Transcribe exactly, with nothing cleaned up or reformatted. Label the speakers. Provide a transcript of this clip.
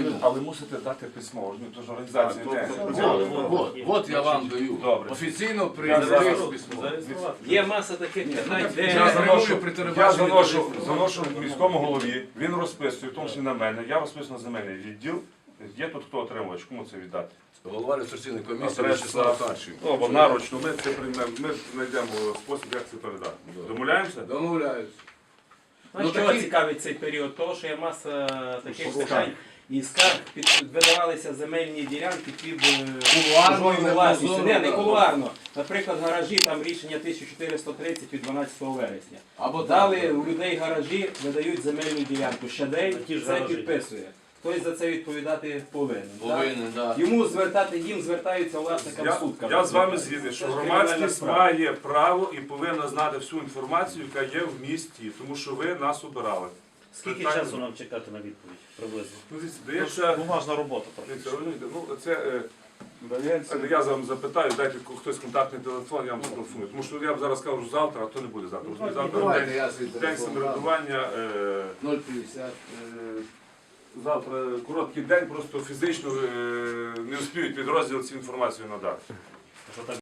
Speaker 1: Правильно.
Speaker 2: Але мусите дати письмо, ну, то ж організація не.
Speaker 1: От, от я вам даю.
Speaker 2: Добре.
Speaker 1: Офіційно
Speaker 2: Я
Speaker 1: прийняти
Speaker 2: зараз-
Speaker 1: письмо.
Speaker 3: Є маса таких питань,
Speaker 1: Я
Speaker 2: Я
Speaker 3: де
Speaker 2: заношу,
Speaker 1: при
Speaker 2: я
Speaker 1: телебаченні
Speaker 2: заношу,
Speaker 1: теж-
Speaker 2: заношу міському голові, він розписує, в тому числі на мене, я розписую на земельний відділ. Є тут хто отримувач, кому це віддати?
Speaker 1: Голова реєстраційної комісії
Speaker 2: Адреса.
Speaker 1: Вячеслав Харченко.
Speaker 2: Ну, або наручно, ми це приймемо, ми знайдемо спосіб, як це передати. Домовляємося?
Speaker 1: Домовляюсь.
Speaker 3: ну,
Speaker 1: Ну,
Speaker 3: чого
Speaker 1: такі-
Speaker 3: цікавить цей період? Того, що є маса таких питань. І скарг під видавалися земельні ділянки під е,
Speaker 1: Кулуарно,
Speaker 3: чужою
Speaker 1: не
Speaker 3: власністю.
Speaker 1: прозоро,
Speaker 3: Не, не
Speaker 1: да.
Speaker 3: кулуарно. Наприклад, гаражі, там рішення тисяча чотириста тридцять від дванадцятого вересня.
Speaker 1: Або
Speaker 3: Дали
Speaker 1: так.
Speaker 3: у людей гаражі, видають земельну ділянку. Щадей
Speaker 4: Ті ж
Speaker 3: це
Speaker 4: гаражі.
Speaker 3: підписує. Хтось за це відповідати повинен. так?
Speaker 1: Повинен, так.
Speaker 3: Йому звертати, їм звертаються власникам
Speaker 2: Я,
Speaker 3: суд.
Speaker 2: я з вами згідний, що
Speaker 3: Це ж
Speaker 2: громадськість
Speaker 3: кримінальна справа.
Speaker 2: має право і повинна знати всю інформацію, яка є в місті, тому що ви нас обирали.
Speaker 4: Скільки
Speaker 2: Питання-
Speaker 4: часу нам чекати на відповідь приблизно?
Speaker 2: Ну, дивіться,
Speaker 4: Це
Speaker 2: дається,
Speaker 4: бумажна робота.
Speaker 2: дивіться, розумієте, ну, це, е, дається, я вам запитаю, дайте хтось контактний телефон, я вам зателефоную. Тому що я б зараз кажу завтра, а то не буде завтра. Розумієте, Завтра
Speaker 1: Давайте
Speaker 2: день,
Speaker 1: я свій
Speaker 2: день
Speaker 1: телефон дам.
Speaker 2: самоврядування. е,
Speaker 1: нуль п'ятдесят.
Speaker 2: е, Завтра короткий день, просто фізично е, не успіють підрозділ цю інформацію надати.
Speaker 4: Що так